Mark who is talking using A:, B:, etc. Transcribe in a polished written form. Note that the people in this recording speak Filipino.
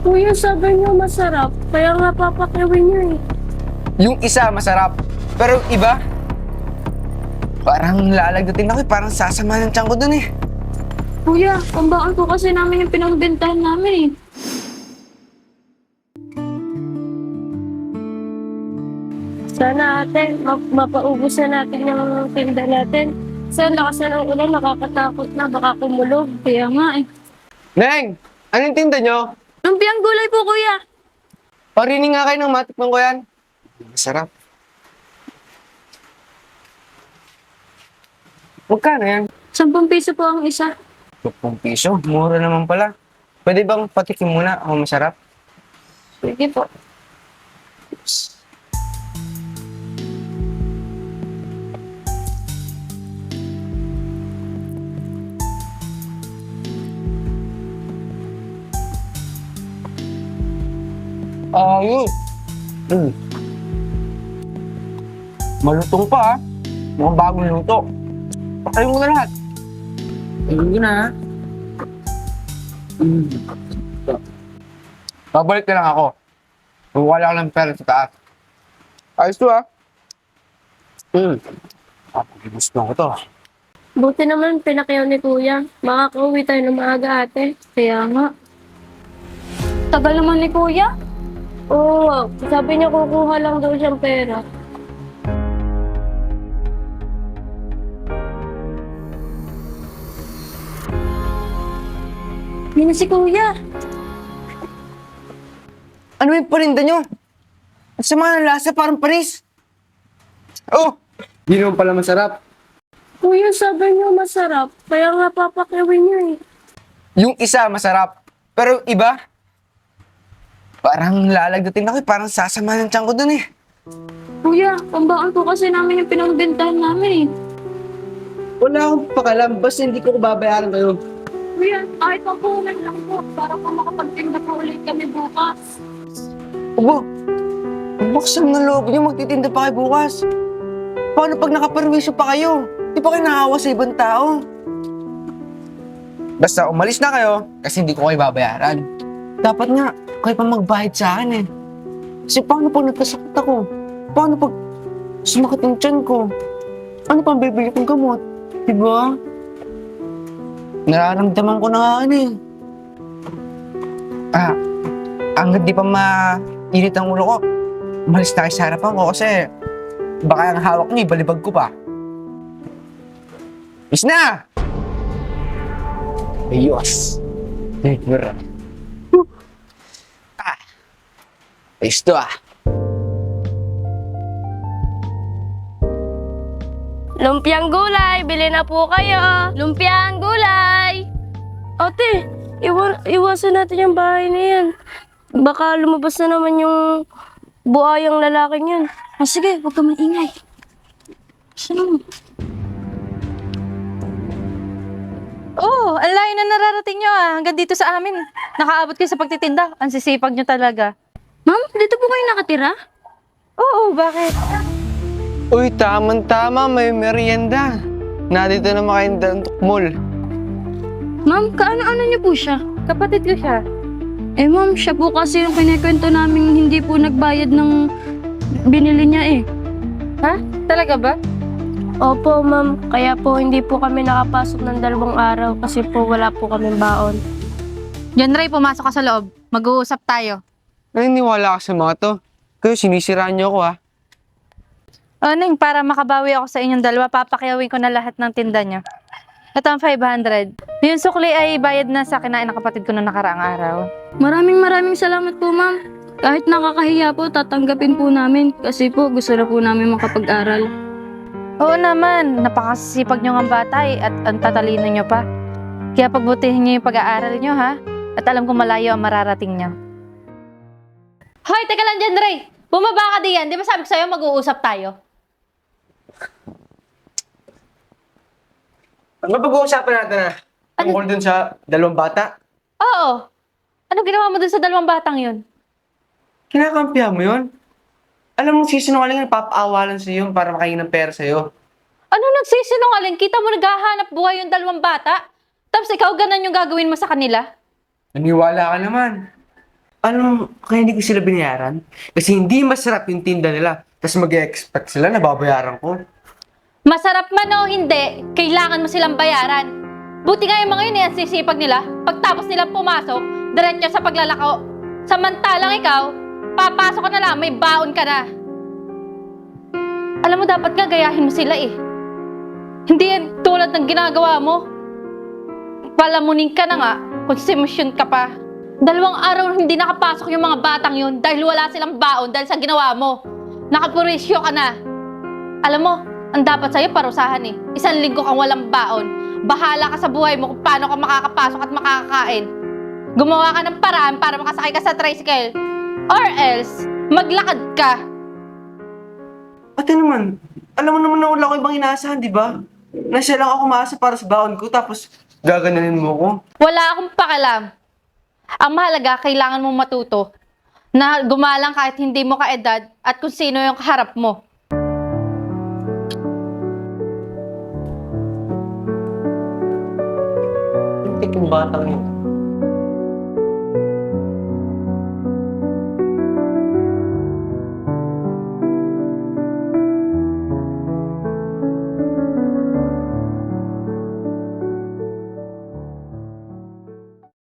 A: Kuya, sabi niyo masarap. Kaya nga papakiwin niyo eh.
B: Yung isa masarap, pero yung iba, parang lalagdating ako eh. Parang sasama ng tiyan ko dun eh.
A: Kuya, pambakal ko kasi namin yung pinagbentahan namin eh. Sana ate, mapaubos na natin yung tinda natin. Sa lakas na ng ulan, nakakatakot na. Baka kumulog. Kaya nga eh.
B: Neng! Anong tinda nyo?
A: Lumpiang gulay po, kuya.
B: Parinig nga kayo ng matikman ko yan. Masarap. Magkano yan?
A: 10 piso po ang isa.
B: 10 piso. Mura naman pala. Pwede bang patikim muna ako masarap?
A: Sige po.
B: Ayos. Malutong pa ah. Mukhang bagong luto. Pakain mo na lahat. Ayun ko na ha. Babalik na lang ako. Wala ko ng pera sa taas. Ayos to ah. Gusto ko to.
A: Buti naman pinakyaw ni kuya. Makakauwi tayo ng maaga ate. Kaya nga. Tagal naman ni kuya. Oo, sabi niya kukuha lang daw siyang pera. Yun na si kuya.
B: Ano yung parinda nyo? Ang sama ng lasa, parang panis. Oh! Hindi naman pala masarap.
A: Kuya, sabi niyo masarap. Kaya nga papakiwin niyo eh.
B: Yung isa masarap, pero yung iba, parang lalagdating ako eh. Parang sasama ng tiyan ko dun eh.
A: Kuya, pambakal ko kasi namin yung pinagbentahan namin eh.
B: Wala akong pakalam, basta hindi ko babayaran kayo.
A: Kuya, kahit papunan lang po para po makapagtinda po ulit kami bukas.
B: Aba, ang baksam ng loob niyo, magtitinda pa kayo bukas. Paano pag nakaperwisyo pa kayo? Di pa kayo nakahawa sa ibang tao? Basta umalis na kayo, kasi hindi ko kayo babayaran. Dapat nga, kayo pa magbayad sa akin eh. Kasi paano pag nagkasakit ako? Paano pag sumakit yung tiyan ko? Ano pang bibili kong gamot? Diba? Nararamdaman ko na nga ano eh. Hanggat di pa mainit ang ulo ko, umalis na kayo sa harapan ko kasi baka ang hawak niyo, ibalibag ko pa. Is na! Ayos. Never. Ayos to ah.
A: Lumpiang gulay, bili na po kayo. Lumpiang gulay. Ate, iwasan natin yung bahay na yan. Baka lumabas na naman yung buhayang lalaking yun. Sige, huwag ka maingay. Sino?
C: Oo, ang layo na nararating nyo ah. Hanggang dito sa amin. Nakaabot kayo sa pagtitinda. Ang sisipag nyo talaga.
A: Ma'am, dito po kayo nakatira?
C: Oo, bakit?
B: Uy, tama, may merienda. Nandito na makainda ng tukmol.
A: Ma'am, kaano-ano niyo po siya?
C: Kapatid ko siya.
A: Eh ma'am, siya po kasi yung kinikwento namin hindi po nagbayad ng binili niya eh.
C: Ha? Talaga ba?
A: Opo ma'am, kaya po hindi po kami nakapasok ng 2 araw kasi po wala po kaming baon.
C: John Ray, pumasok ka sa loob. Mag-uusap tayo.
B: Naniniwala ka sa mga to. Kayo, sinisiraan niyo ako ah.
C: O, Ning, para makabawi ako sa inyong dalawa, papakyawin ko na lahat ng tinda nyo. Ito ang 500. Yung sukli ay bayad na sa kinain ng kapatid ko noong nakaraang araw.
A: Maraming salamat po ma'am. Kahit nakakahiya po, tatanggapin po namin kasi po gusto na po namin makapag-aral.
C: Oo naman, napakasipag nyo ng bata at ang tatalino nyo pa. Kaya pagbutihin nyo yung pag-aaral nyo ha. At alam kong malayo ang mararating nyo. Hoy, teka lang dyan, Ray! Bumaba ka diyan. Di ba sabi ko sa'yo mag-uusap tayo?
B: Ano pag-uusapan natin ah? Tungkol dun sa 2 bata?
C: Oo. Ano ginawa mo dun sa 2 batang yun?
B: Kinakampihan mo yun? Alam mo, sisinungaling ang papaawalan sa iyo para makain ng pera sa iyo.
C: Ano nagsisinungaling? Kita mo naghahanap buhay yung 2 bata? Tapos ikaw ganun yung gagawin mo sa kanila?
B: Naniwala ka naman. Alam mo, kaya hindi ko sila binayaran? Kasi hindi masarap yung tinda nila. Tapos mag-expect sila na babayaran ko.
C: Masarap man o hindi, kailangan mo silang bayaran. Buti nga yung mga yun, ang sisipag nila. Pagtapos nilang pumasok, diretso sa paglalako. Samantalang ikaw, papasok ka na lang, may baon ka na. Alam mo, dapat nga gayahin mo sila eh. Hindi yan tulad ng ginagawa mo. Palamunin ka na nga, konsumisyon ka pa. 2 araw hindi nakapasok yung mga batang yun dahil wala silang baon dahil sa ginawa mo. Nakapurisyo ka na. Alam mo, ang dapat sa'yo parusahan eh. 1 linggo kang walang baon. Bahala ka sa buhay mo kung paano ka makakapasok at makakakain. Gumawa ka ng paraan para makasakay ka sa tricycle. Or else, maglakad ka.
B: Ate naman, alam mo naman na wala ko ibang inaasahan, di ba? Na siya lang ako maasa para sa baon ko, tapos gaganunin mo ko.
C: Wala akong pakialam. Ang mahalaga, kailangan mong matuto na gumalang kahit hindi mo kaedad at kung sino yung kaharap mo.
B: Yung batang yun.